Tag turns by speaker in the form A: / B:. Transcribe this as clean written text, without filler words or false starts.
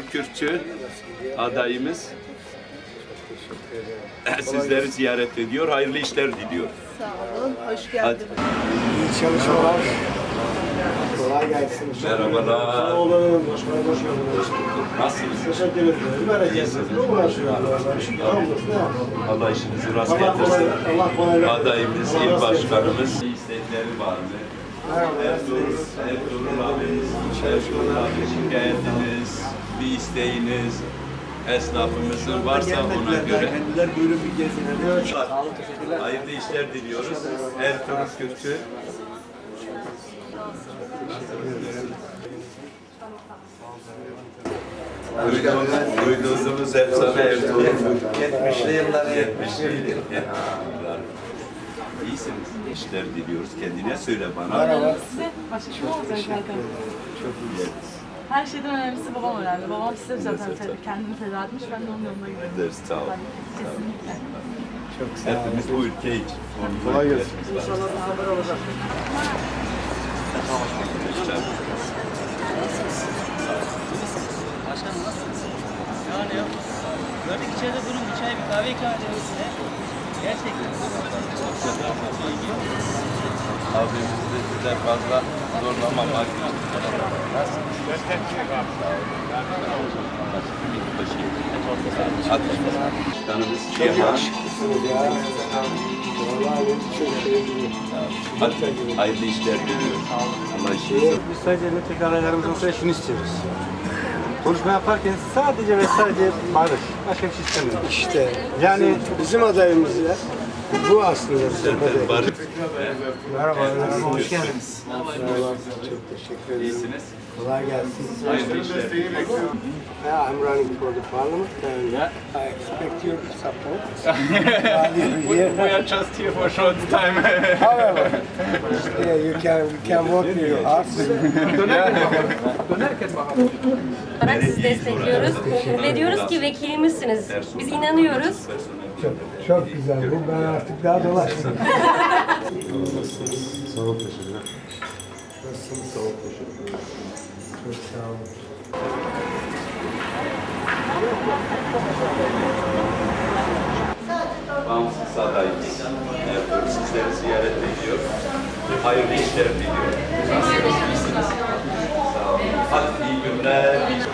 A: Kürkçü adayımız sizleri ziyaret ediyor. Hayırlı işler diliyor.
B: Sağ olun, hoş geldiniz.
C: İyi çalışmalar. Kolay gelsin.
A: Merhabalar.
C: Sağ olun. Hoş geldiniz.
A: Nasılsınız?
C: Teşekkür ederim. Vereceğiz. Ne uğraşıyorlar?
A: Allah işinizi rast getirsin.
C: Allah kolaylık.
A: Adayımız, il başkanımız. İstekleri var mı? Ertuğrul abimiz, Ertuğrul abi şikayetiniz, bir isteğiniz, esnafımızın varsa ona göre.
C: Kendiler buyurun bir gezinler.
A: Hayırlı işler diliyoruz. Ertuğrul Kürkçü. Duyduğunuz efsane Ertuğrul.
C: 70'li yılları.
A: 70'li yıllar. İyisiniz. İşler diliyoruz. Kendine söyle bana.
D: Size başka kim olacak zaten?
A: Çok iyi.
D: Her şeyden önemlisi babam önemli. Babam size zaten kendini feda etmiş, ben de onun yoluna gidiyorum.
A: Ederiz, sağ ol.
D: Kesinlikle.
C: Çok sağ olun.
A: Hepimiz bu ülke için.
C: Kolay gelsin.
A: İnşallah bir haber olacak.
E: Başkanım nasılsınız? Yani yok. Gördük içeride durun bir çay bir kahve ikram edelim size. Gerçekten.
A: Abimizi de size fazla zorlamamak için. Hadi. Başkanımız
C: Çok
A: Şiha.
C: yakışıklısınız ya. Vallahi çok sevdim.
A: Hadi. Hayırlı işler diliyoruz. Allah işinizi.
F: Biz sadece milletvekili adaylarımızın sonra şunu istiyoruz. Konuşma yaparken sadece ve sadece barış. Başka bir şey istemiyoruz.
C: İşte
F: Yani
C: bizim adayımız ya. Bu aslında bizim adayımız.
A: Barış.
F: merhaba, hoş geldiniz.
C: Merhaba, çok teşekkür ederim.
A: İyisiniz.
C: Kolay gelsin.
A: Hayırlı işler.
C: Yeah, I'm running for the parliament and I expect your support. We
G: are just here for a short time.
C: However, yeah, we can work with your hearts.
H: olarak sizi destekliyoruz ve diyoruz ki vekilimizsiniz. Biz inanıyoruz.
C: Çok güzel. Ben artık daha dolaşmam.
F: Sağ ol, teşekkürler.
C: Nasılsınız? Sağ ol, teşekkür ederim. Çok sağ olun.
A: Bağımsız adayımız. Ertuğrul sizleri ziyaret ediyor. Hayırlı işler diliyor. Nasılsınız? İyisiniz. Sağ olun. Hadi iyi günler.